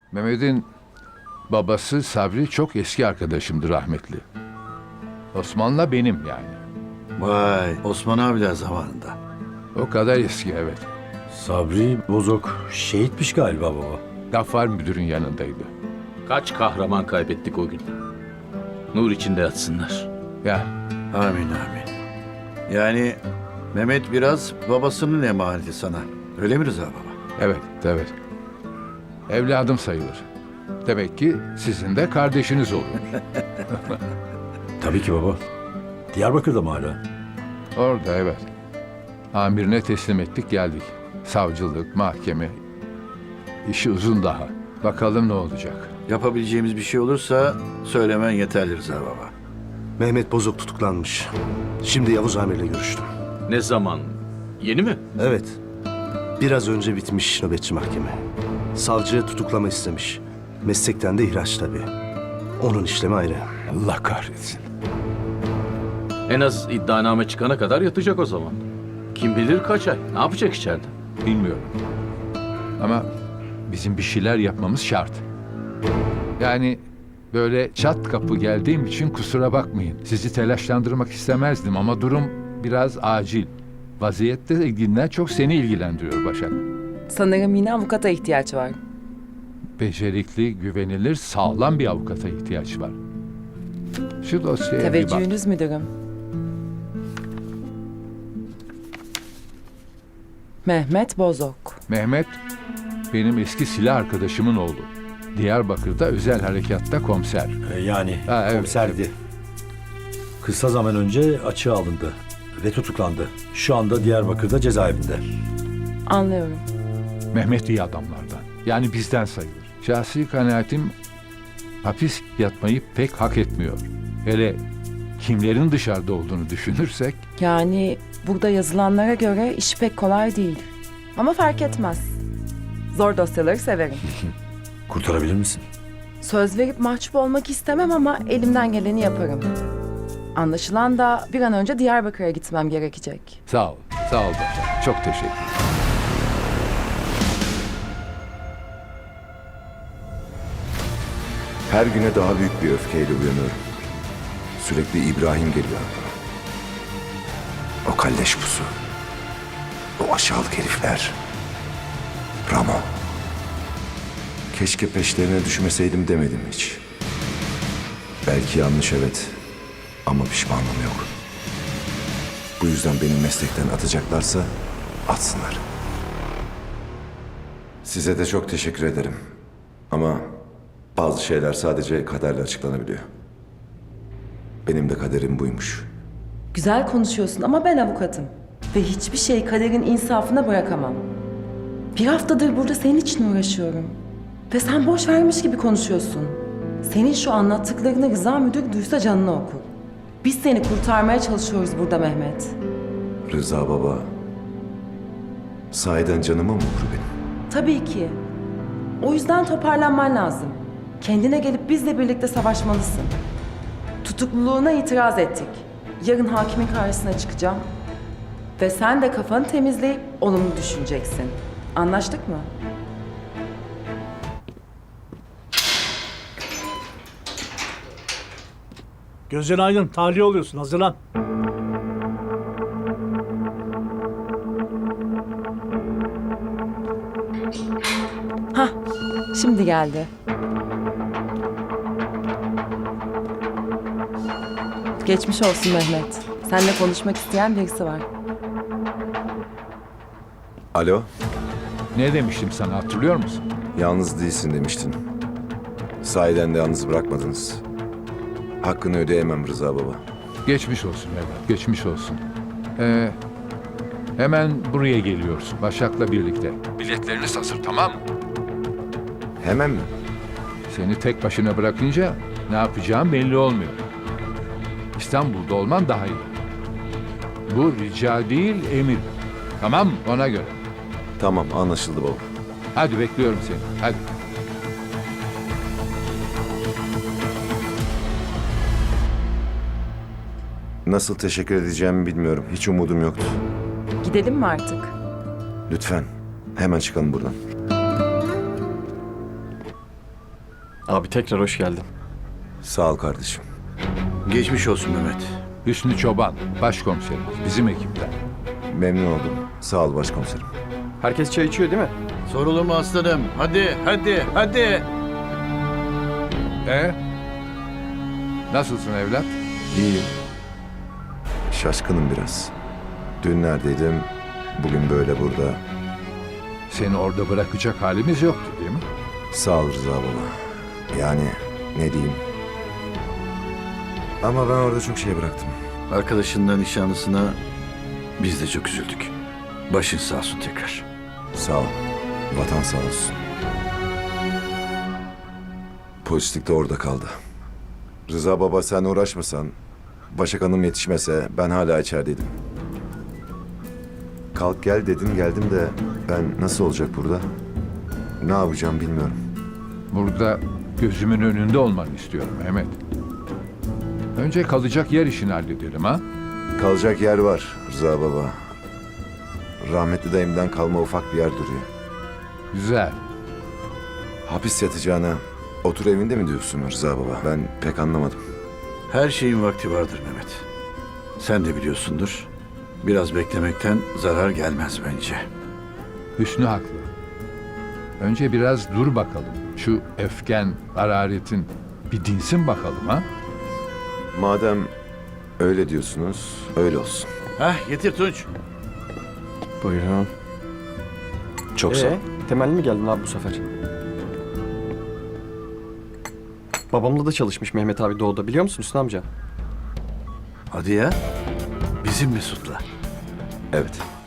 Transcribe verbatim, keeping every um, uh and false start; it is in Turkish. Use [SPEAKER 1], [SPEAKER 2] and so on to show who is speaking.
[SPEAKER 1] Mehmet'in babası Sabri çok eski arkadaşımdı rahmetli. Osman'la benim yani.
[SPEAKER 2] Vay, Osman abiler zamanında.
[SPEAKER 1] O kadar eski, evet.
[SPEAKER 3] Sabri Bozok şehitmiş galiba baba.
[SPEAKER 1] Gaffar müdürün yanındaydı.
[SPEAKER 4] Kaç kahraman kaybettik o gün. Nur içinde yatsınlar.
[SPEAKER 1] Ya
[SPEAKER 2] Amin amin. Yani Mehmet biraz babasının emaneti sana. Öyle mi Rıza baba?
[SPEAKER 1] evet, evet. Evladım sayılır. Demek ki sizin de kardeşiniz oluyor.
[SPEAKER 3] Tabii ki baba. Diyarbakır'da mı hala?
[SPEAKER 1] Orada, evet. Amirine teslim ettik, geldik. Savcılık, mahkeme. İşi uzun daha. Bakalım ne olacak.
[SPEAKER 2] Yapabileceğimiz bir şey olursa söylemen yeterli Rıza baba.
[SPEAKER 5] Mehmet Bozok tutuklanmış. Şimdi Yavuz Amir'le görüştüm.
[SPEAKER 4] Ne zaman? Yeni mi?
[SPEAKER 5] Evet. Biraz önce bitmiş nöbetçi mahkeme. Savcı tutuklama istemiş. Meslekten de ihraç tabii. Onun işlemi ayrı.
[SPEAKER 1] Allah kahretsin.
[SPEAKER 4] En az iddianame çıkana kadar yatacak o zaman. Kim bilir kaç ay. Ne yapacak içeride?
[SPEAKER 1] Bilmiyorum. Ama bizim bir şeyler yapmamız şart. Yani böyle çat kapı geldiğim için kusura bakmayın. Sizi telaşlandırmak istemezdim ama durum biraz acil. Vaziyette ilginden çok seni ilgilendiriyor Başak.
[SPEAKER 6] Sanırım yine avukata ihtiyaç var.
[SPEAKER 1] Becerikli, güvenilir, sağlam bir avukata ihtiyaç var. Şu dosyaya bir bak.
[SPEAKER 6] Teveccühünüz müdürüm. Mehmet Bozok.
[SPEAKER 1] Mehmet, benim eski silah arkadaşımın oğlu. Diyarbakır'da özel harekatta komiser.
[SPEAKER 3] Ee, yani
[SPEAKER 1] Ha, evet,
[SPEAKER 3] komiserdi. Kısa zaman önce açığa alındı ve tutuklandı. Şu anda Diyarbakır'da cezaevinde.
[SPEAKER 6] Anlıyorum.
[SPEAKER 1] Mehmet iyi adamlardan. Yani bizden sayılır. Şahsi kanaatim hapis yatmayı pek hak etmiyor. Hele kimlerin dışarıda olduğunu düşünürsek
[SPEAKER 6] Yani burada yazılanlara göre iş pek kolay değil. Ama fark etmez. Zor dosyaları severim.
[SPEAKER 3] Kurtarabilir misin?
[SPEAKER 6] Söz verip mahcup olmak istemem ama elimden geleni yaparım. Anlaşılan da bir an önce Diyarbakır'a gitmem gerekecek.
[SPEAKER 1] sağ ol. Sağ ol Başak. Çok teşekkür ederim.
[SPEAKER 7] Her güne daha büyük bir öfkeyle uyanıyorum. Sürekli İbrahim geliyor aklıma. O kalleş pusu. O aşağılık herifler. Ramo. Keşke peşlerine düşmeseydim demedim hiç. Belki yanlış, evet. Ama pişmanlığım yok. Bu yüzden beni meslekten atacaklarsa atsınlar. Size de çok teşekkür ederim. Ama bazı şeyler sadece kaderle açıklanabiliyor. Benim de kaderim buymuş.
[SPEAKER 6] Güzel konuşuyorsun ama ben avukatım. Ve hiçbir şeyi kaderin insafına bırakamam. Bir haftadır burada senin için uğraşıyorum. Ve sen boş vermiş gibi konuşuyorsun. Senin şu anlattıklarını Rıza müdür duysa canını okur. Biz seni kurtarmaya çalışıyoruz burada Mehmet.
[SPEAKER 7] Rıza baba, sahiden canımı mı okur benim?
[SPEAKER 6] Tabii ki. O yüzden toparlanman lazım. Kendine gelip bizle birlikte savaşmalısın. Tutukluluğuna itiraz ettik. Yarın hakimin karşısına çıkacağım. Ve sen de kafanı temizleyip olumlu düşüneceksin. Anlaştık mı?
[SPEAKER 8] Gözün aydın, tahliye oluyorsun. Hazırlan.
[SPEAKER 6] Hah, şimdi geldi. Geçmiş olsun Mehmet. Seninle konuşmak isteyen birisi var.
[SPEAKER 7] Alo,
[SPEAKER 1] Ne demiştim sana, hatırlıyor musun?
[SPEAKER 7] yalnız değilsin demiştin. Sahiden de yalnız bırakmadınız. Hakkını ödeyemem Rıza baba.
[SPEAKER 1] Geçmiş olsun evlat, geçmiş olsun. Ee, hemen buraya geliyorsun Başak'la birlikte. Biletlerini hazır, tamam mı?
[SPEAKER 7] Hemen mi?
[SPEAKER 1] Seni tek başına bırakınca ne yapacağım belli olmuyor. İstanbul'da olman daha iyi. Bu rica değil, emir. Tamam mı? Ona göre.
[SPEAKER 7] Tamam, anlaşıldı baba.
[SPEAKER 1] Hadi bekliyorum seni, hadi.
[SPEAKER 7] Nasıl teşekkür edeceğimi bilmiyorum. Hiç umudum yoktu.
[SPEAKER 6] Gidelim mi artık?
[SPEAKER 7] Lütfen, hemen çıkalım buradan.
[SPEAKER 9] Abi tekrar hoş geldin.
[SPEAKER 7] Sağ ol kardeşim.
[SPEAKER 2] Geçmiş olsun Mehmet.
[SPEAKER 1] Hüsnü Çoban, başkomiserimiz, bizim ekipten.
[SPEAKER 7] Memnun oldum. Sağ ol başkomiserim.
[SPEAKER 9] Herkes çay içiyor değil mi?
[SPEAKER 2] Sorulur mu aslanım? Hadi, hadi, hadi.
[SPEAKER 1] E? Nasılsın evlat?
[SPEAKER 7] İyiyim. Şaşkınım biraz. Dün neredeydim, bugün böyle burada.
[SPEAKER 1] Seni orada bırakacak halimiz yoktu değil mi?
[SPEAKER 7] Sağ ol Rıza baba. Yani ne diyeyim. Ama ben orada çok şey bıraktım.
[SPEAKER 2] Arkadaşından nişanlısına biz de çok üzüldük. Başın sağ olsun tekrar.
[SPEAKER 7] Sağ ol. Vatan sağ olsun. Polislik de orada kaldı. Rıza baba sen uğraşmasan, Başak Hanım yetişmese ben hala içerideydim. Kalk gel dedin geldim de ben nasıl olacak burada? Ne yapacağım bilmiyorum.
[SPEAKER 1] Burada gözümün önünde olmanı istiyorum Mehmet. Önce kalacak yer işini halledelim ha?
[SPEAKER 7] Kalacak yer var Rıza baba. Rahmetli dayımdan kalma ufak bir yer duruyor.
[SPEAKER 1] Güzel.
[SPEAKER 7] Hapis yatacağına otur evinde mi diyorsun Rıza baba? Ben pek anlamadım.
[SPEAKER 2] Her şeyin vakti vardır Mehmet. Sen de biliyorsundur. Biraz beklemekten zarar gelmez bence.
[SPEAKER 1] Hüsnü haklı. Önce biraz dur bakalım. Şu öfken, hararetin bir dinsin bakalım ha?
[SPEAKER 7] Madem öyle diyorsunuz, öyle olsun.
[SPEAKER 2] Hah, getir Tunç.
[SPEAKER 9] Buyurun.
[SPEAKER 7] Çok sağ ol.
[SPEAKER 9] Ee, temelli mi geldin abi bu sefer? Babamla da çalışmış Mehmet abi doğuda biliyor musun Hüsnü amca?
[SPEAKER 2] Hadi ya. Bizim Mesut'la.
[SPEAKER 7] Evet.